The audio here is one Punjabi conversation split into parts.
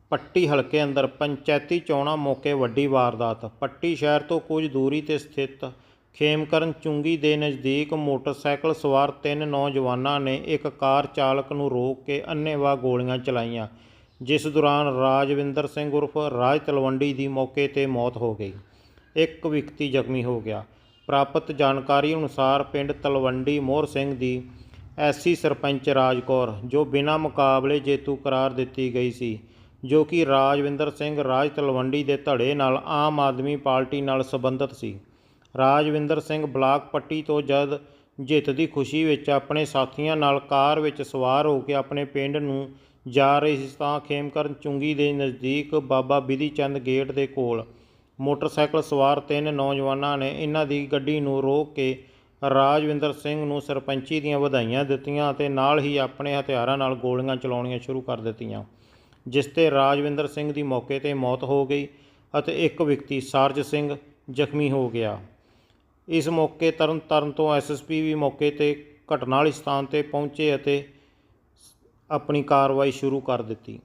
ਪੱਟੀ ਹਲਕੇ ਅੰਦਰ ਪੰਚਾਇਤੀ ਚੋਣਾਂ ਮੌਕੇ ਵੱਡੀ ਵਾਰਦਾਤ। ਪੱਟੀ ਸ਼ਹਿਰ ਤੋਂ ਕੁਝ ਦੂਰੀ 'ਤੇ ਸਥਿਤ ਖੇਮਕਰਨ ਚੁੰਗੀ ਦੇ ਨਜ਼ਦੀਕ ਮੋਟਰਸਾਈਕਲ ਸਵਾਰ 3 ਨੌਜਵਾਨਾਂ ਨੇ ਇੱਕ ਕਾਰ ਚਾਲਕ ਨੂੰ ਰੋਕ ਕੇ ਅੰਨ੍ਹੇਵਾਹ ਗੋਲੀਆਂ ਚਲਾਈਆਂ, ਜਿਸ ਦੌਰਾਨ ਰਾਜਵਿੰਦਰ ਸਿੰਘ ਉਰਫ ਰਾਜ ਤਲਵੰਡੀ ਦੀ ਮੌਕੇ 'ਤੇ ਮੌਤ ਹੋ ਗਈ। ਇੱਕ ਵਿਅਕਤੀ ਜ਼ਖਮੀ ਹੋ ਗਿਆ। ਪ੍ਰਾਪਤ ਜਾਣਕਾਰੀ ਅਨੁਸਾਰ ਪਿੰਡ ਤਲਵੰਡੀ ਮੋਹਰ ਸਿੰਘ ਦੀ ਐਸੀ ਸਰਪੰਚ ਰਾਜ ਕੌਰ, ਜੋ ਬਿਨਾਂ ਮੁਕਾਬਲੇ ਜੇਤੂ ਕਰਾਰ ਦਿੱਤੀ ਗਈ ਸੀ, ਜੋ ਕਿ ਰਾਜਵਿੰਦਰ ਸਿੰਘ ਰਾਜ ਤਲਵੰਡੀ ਦੇ ਧੜੇ ਨਾਲ ਆਮ ਆਦਮੀ ਪਾਰਟੀ ਨਾਲ ਸੰਬੰਧਿਤ ਸੀ। ਰਾਜਵਿੰਦਰ ਸਿੰਘ ਬਲਾਕ ਪੱਟੀ ਤੋਂ ਜਦ ਜਿੱਤ ਦੀ ਖੁਸ਼ੀ ਵਿੱਚ ਆਪਣੇ ਸਾਥੀਆਂ ਨਾਲ ਕਾਰ ਵਿੱਚ ਸਵਾਰ ਹੋ ਕੇ ਆਪਣੇ ਪਿੰਡ ਨੂੰ ਜਾ ਰਹੇ ਸੀ ਤਾਂ ਖੇਮਕਰਨ ਚੁੰਗੀ ਦੇ ਨਜ਼ਦੀਕ ਬਾਬਾ ਬਿਧੀ ਚੰਦ ਗੇਟ ਦੇ ਕੋਲ ਮੋਟਰਸਾਈਕਲ ਸਵਾਰ 3 ਨੌਜਵਾਨਾਂ ਨੇ ਇਹਨਾਂ ਦੀ ਗੱਡੀ ਨੂੰ ਰੋਕ ਕੇ ਰਾਜਵਿੰਦਰ ਸਿੰਘ ਨੂੰ ਸਰਪੰਚੀ ਦੀਆਂ ਵਧਾਈਆਂ ਦਿੱਤੀਆਂ ਅਤੇ ਨਾਲ ਹੀ ਆਪਣੇ ਹਥਿਆਰਾਂ ਨਾਲ ਗੋਲੀਆਂ ਚਲਾਉਣੀਆਂ ਸ਼ੁਰੂ ਕਰ ਦਿੱਤੀਆਂ, ਜਿਸ 'ਤੇ ਰਾਜਵਿੰਦਰ ਸਿੰਘ ਦੀ ਮੌਕੇ 'ਤੇ ਮੌਤ ਹੋ ਗਈ ਅਤੇ ਇੱਕ ਵਿਅਕਤੀ ਸਾਰਜ ਸਿੰਘ ਜ਼ਖਮੀ ਹੋ ਗਿਆ। ਇਸ ਮੌਕੇ ਤਰਨਤਾਰਨ ਤੋਂ ਐਸਐਸਪੀ ਵੀ ਮੌਕੇ 'ਤੇ ਘਟਨਾ ਵਾਲੇ ਸਥਾਨ 'ਤੇ ਪਹੁੰਚੇ ਅਤੇ ਆਪਣੀ ਕਾਰਵਾਈ ਸ਼ੁਰੂ ਕਰ ਦਿੱਤੀ।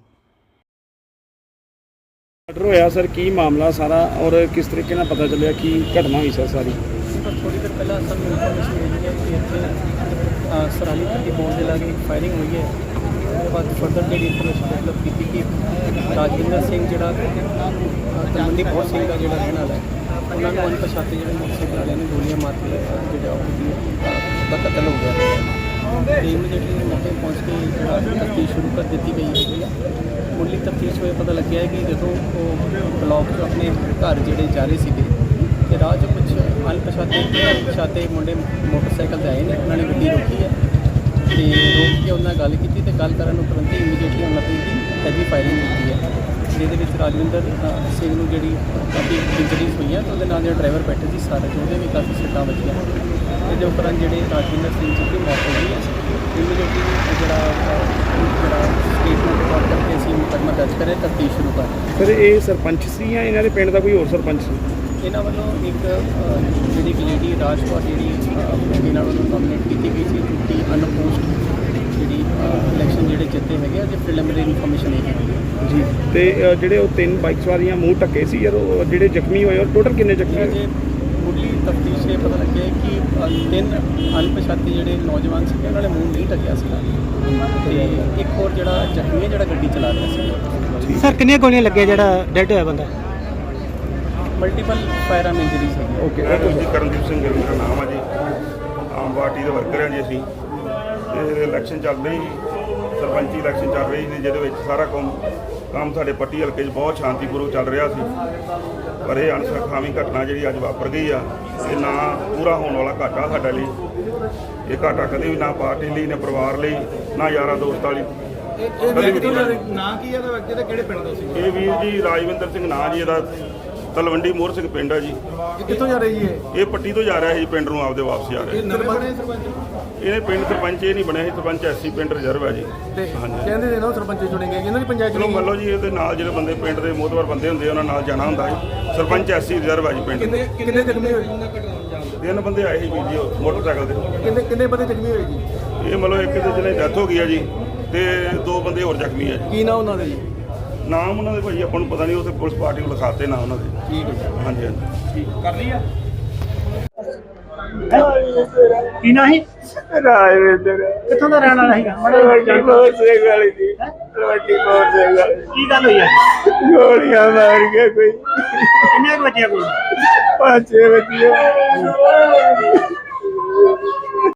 ਮਰਡਰ ਹੋਇਆ ਸਰ, ਕੀ ਮਾਮਲਾ ਸਾਰਾ ਔਰ ਕਿਸ ਤਰੀਕੇ ਨਾਲ ਪਤਾ ਚੱਲਿਆ ਕੀ ਘਟਨਾ ਹੋਈ ਸਰ ਸਾਰੀ? थोड़ी देर पहले सर इन्फॉर्मेशन मिली है कि इतने सराली पट्टी पहुँच के लागे फायरिंग हुई है। उसके बाद फर्दर जी इन्फॉर्मेशन डेवलप की कि राजविंदर सिंह जो तलवंडी बहुत सिंह का जो रहने वाला है, उन्होंने अनपछाते जो मोटरसाइकिल वाले ने गोलियां मार के जो कतल हो गया। इमीडिएटली मौके पहुँच के तफ्तीश शुरू कर दी गई है। मुढ़ली तफ्तीश में पता लग गया है कि जो वो ब्लॉक जो अपने घर जोड़े जा रहे थे ਤੇ ਰਾਹ 'ਚ ਕੁਛ ਅਣਪਛਾਤੇ ਮੁੰਡੇ ਮੋਟਰਸਾਈਕਲ 'ਤੇ ਆਏ ਨੇ। ਉਹਨਾਂ ਨੇ ਗੱਡੀ ਰੋਕੀ ਹੈ ਅਤੇ ਰੋਕ ਕੇ ਉਹਨਾਂ ਨਾਲ ਗੱਲ ਕੀਤੀ ਅਤੇ ਗੱਲ ਕਰਨ ਉਪਰੰਤ ਇਮੀਡੀਏਟਲੀ ਉਹਨਾਂ ਦੀ ਹੈਵੀ ਫਾਇਰਿੰਗ ਕੀਤੀ ਹੈ, ਜਿਹਦੇ ਵਿੱਚ ਰਾਜਵਿੰਦਰ ਸਿੰਘ ਨੂੰ ਜਿਹੜੀ ਕਾਫੀ ਇੰਜਰੀਜ਼ ਹੋਈਆਂ ਅਤੇ ਉਹਦੇ ਨਾਲ ਜਿਹੜਾ ਡਰਾਈਵਰ ਬੈਠੇ ਸੀ ਸਾਰੇ ਉਹਦੇ ਵੀ ਕਾਫੀ ਸੱਟਾਂ ਵੱਜੀਆਂ। ਇਹਦੇ ਉਪਰੰਤ ਜਿਹੜੇ ਰਾਜਵਿੰਦਰ ਸਿੰਘ ਜੀ ਦੀ ਮੌਤ ਹੋ ਗਈ ਹੈ। ਇਮੀਡੀਏਟਲੀ ਜਿਹੜਾ ਸਟੇਟਮੈਂਟ ਰਿਕਾਰਡ ਕਰਕੇ ਅਸੀਂ ਮੁਕੱਦਮਾ ਦਰਜ ਕਰਿਆ, ਤਫਤੀਸ਼ ਸ਼ੁਰੂ ਕਰ ਦਿੱਤੀ। ਸਰ ਇਹ ਸਰਪੰਚ ਸੀ ਜਾਂ ਇਹਨਾਂ ਦੇ ਪਿੰਡ ਦਾ ਕੋਈ ਹੋਰ ਸਰਪੰਚ ਸੀ? ਇਹਨਾਂ ਵੱਲੋਂ ਇੱਕ ਜਿਹੜੀ ਲੇਡੀ ਰਾਜ ਕੌਰ ਜਿਹੜੀ ਇਹਨਾਂ ਵੱਲੋਂ ਨੋਮੀਨੇਟ ਕੀਤੀ ਗਈ ਸੀ ਕਿ ਅਨਪੋਸਟ ਜਿਹੜੀ ਇਲੈਕਸ਼ਨ ਜਿਹੜੇ ਜਿੱਤੇ ਹੈਗੇ ਜੇ ਪ੍ਰੀਲਿਮਿਨਰੀ ਇਨਫੋਰਮੇਸ਼ਨ ਇਹ ਹੈਗੀ ਜੀ। ਤੇ ਜਿਹੜੇ ਉਹ 3 ਬਾਈਕ ਸਵਾਰੀਆਂ ਮੂੰਹ ਢੱਕੇ ਸੀ ਯਾਰ, ਉਹ ਜਿਹੜੇ ਜ਼ਖਮੀ ਹੋਏ ਔਰ ਟੋਟਲ ਕਿੰਨੇ ਜ਼ਖਮੀ ਹੋਏ? ਜੇ ਮੁੱਢਲੀ ਤਫਤੀਸ਼ ਇਹ ਪਤਾ ਲੱਗਿਆ ਕਿ 3 ਅਣਪਛਾਤੇ ਜਿਹੜੇ ਨੌਜਵਾਨ ਸੀਗੇ ਉਹਨਾਂ ਨੇ ਮੂੰਹ ਨਹੀਂ ਢੱਕਿਆ ਸੀਗਾ ਅਤੇ ਇੱਕ ਹੋਰ ਜਿਹੜਾ ਜ਼ਖਮੀ ਹੈ ਜਿਹੜਾ ਗੱਡੀ ਚਲਾ ਰਿਹਾ ਸੀ। ਸਰ ਕਿੰਨੀਆਂ ਗੋਲੀਆਂ ਲੱਗੀਆਂ ਜਿਹੜਾ ਡੈਡ ਹੋਇਆ ਬੰਦਾ? ਮਲਟੀਪਲ ਫਾਇਰ ਆਰਮ ਇੰਜਰੀਜ਼ ਹੈਗੀ। ਓਕੇ, ਜੀ ਕਰਨਦੀਪ ਸਿੰਘ ਮੇਰਾ ਨਾਮ ਆ ਜੀ। ਆਮ ਪਾਰਟੀ ਦੇ ਵਰਕਰ ਹਾਂ ਜੀ ਅਸੀਂ। ਤੇ ਇਲੈਕਸ਼ਨ ਚੱਲ ਰਹੀ, ਸਰਪੰਚੀ ਇਲੈਕਸ਼ਨ ਚੱਲ ਰਹੀ ਸੀ, ਜਿਹਦੇ ਵਿੱਚ ਸਾਰਾ ਕੰਮ ਸਾਡੇ ਪੱਟੀ ਹਲਕੇ 'ਚ ਬਹੁਤ ਸ਼ਾਂਤੀਪੂਰਵਕ ਚੱਲ ਰਿਹਾ ਸੀ। ਪਰ ਇਹ ਅਣਸੁਖਾਵੀ ਘਟਨਾ ਜਿਹੜੀ ਅੱਜ ਵਾਪਰ ਗਈ ਆ, ਇਹ ਨਾ ਪੂਰਾ ਹੋਣ ਵਾਲਾ ਘਾਟਾ ਸਾਡੇ ਲਈ। ਇਹ ਘਾਟਾ ਕਦੇ ਵੀ ਨਾ ਪਾਰਟੀ ਲਈ, ਨਾ ਪਰਿਵਾਰ ਲਈ, ਨਾ ਯਾਰਾਂ ਦੋਸਤਾਂ ਲਈ ਕਦੇ ਵੀ ਨਹੀਂ। ਨਾਂ ਕੀ ਇਹਦਾ ਵਿਅਕਤੀ ਦਾ, ਕਿਹੜੇ ਪਿੰਡ ਦਾ ਸੀ? ਇਹ ਵੀਰ ਜੀ ਰਾਜਵਿੰਦਰ ਸਿੰਘ ਨਾਂ ਜੀ ਇਹਦਾ, ਤਲਵੰਡੀ ਮੋਹਰ ਸਿੰਘ ਪਿੰਡ ਆ ਜੀ। ਕਿੱਥੋਂ ਜਾ ਰਹੀ ਹੈ ਇਹ ਪੱਟੀ ਤੋਂ ਜਾ ਰਿਹਾ ਸੀ ਪਿੰਡ ਨੂੰ, ਆਪਦੇ ਵਾਪਸ ਜਾ ਰਿਹਾ। ਇਹਨੇ ਪਿੰਡ ਸਰਪੰਚ ਇਹ ਨਹੀਂ ਬਣਿਆ ਸੀ, ਸਰਪੰਚ ਐਸੀ ਪਿੰਡ ਰਿਜ਼ਰਵ ਹੈ ਜੀ। ਹਾਂਜੀ, ਕਹਿੰਦੇ ਨੇ ਨਾ ਸਰਪੰਚ ਚੁਣੇਗੇ ਇਹਨਾਂ ਦੀ ਪੰਚਾਇਤ। ਚਲੋ ਮੰਨ ਲਓ ਜੀ, ਇਹਦੇ ਨਾਲ ਜਿਹੜੇ ਬੰਦੇ ਪਿੰਡ ਦੇ ਮੋਹਤਬਰ ਬੰਦੇ ਹੁੰਦੇ ਉਹਨਾਂ ਨਾਲ ਜਾਣਾ ਹੁੰਦਾ ਹੈ। ਸਰਪੰਚ ਐਸੀ ਰਿਜ਼ਰਵ ਹੈ ਜੀ ਪਿੰਡ। ਕਿੰਨੇ ਜ਼ਖਮੀ ਹੋਏ? 3 ਬੰਦੇ ਆਏ ਸੀ ਵੀਰ ਜੀ ਮੋਟਰਸਾਈਕਲ ਤੇ। ਕਿੰਨੇ ਬੰਦੇ ਜ਼ਖਮੀ ਹੋਏ ਜੀ? ਇਹ ਮੰਨ ਲਓ ਇੱਕ ਦੇ ਜਿਹਨੇ ਡੈਥ ਹੋ ਗਈ ਹੈ ਜੀ, ਤੇ 2 ਬੰਦੇ ਹੋਰ ਜ਼ਖਮੀ ਹੈ ਜੀ। ਕੀ ਨਾਮ ਉਹਨਾਂ ਦੇ ਜੀ? ਨਾਮ ਉਹਨਾਂ ਦੇ ਭਾਈ ਆਪਾਂ ਨੂੰ ਪਤਾ ਨਹੀਂ, ਉੱਥੇ ਪੁਲਿਸ ਪਾਰਟੀ ਨੂੰ ਲਿਖਾਤੇ ਨਾ ਉਹਨਾਂ ਦੇ। ਠੀਕ ਹੈ, ਹਾਂਜੀ ਹਾਂਜੀ ਠੀਕ ਕਰ ਲਈ ਆ। ਕੀ ਨਾ ਹੀ ਰਾਜਵਿੰਦਰ ਕਿੱਥੋਂ ਦਾ ਰਹਿਣ ਵਾਲਾ ਸੀਗਾ? ਵੱਡੀ ਮੋਹਰ ਸਿੰਘ ਵਾਲੀ ਜੀ। ਵੱਡੀ ਮੋਹਰ ਸਿੰਘ ਵਾਲੀ। ਕੀ ਗੱਲ ਹੋਈ ਆ? ਗੋਲੀਆਂ ਮਾਰ ਕੇ ਕੋਈ ਕਿੰਨੇ ਕੁ ਬੱਚਿਆਂ ਕੋਲ? 5-6 ਬੱਚੇ।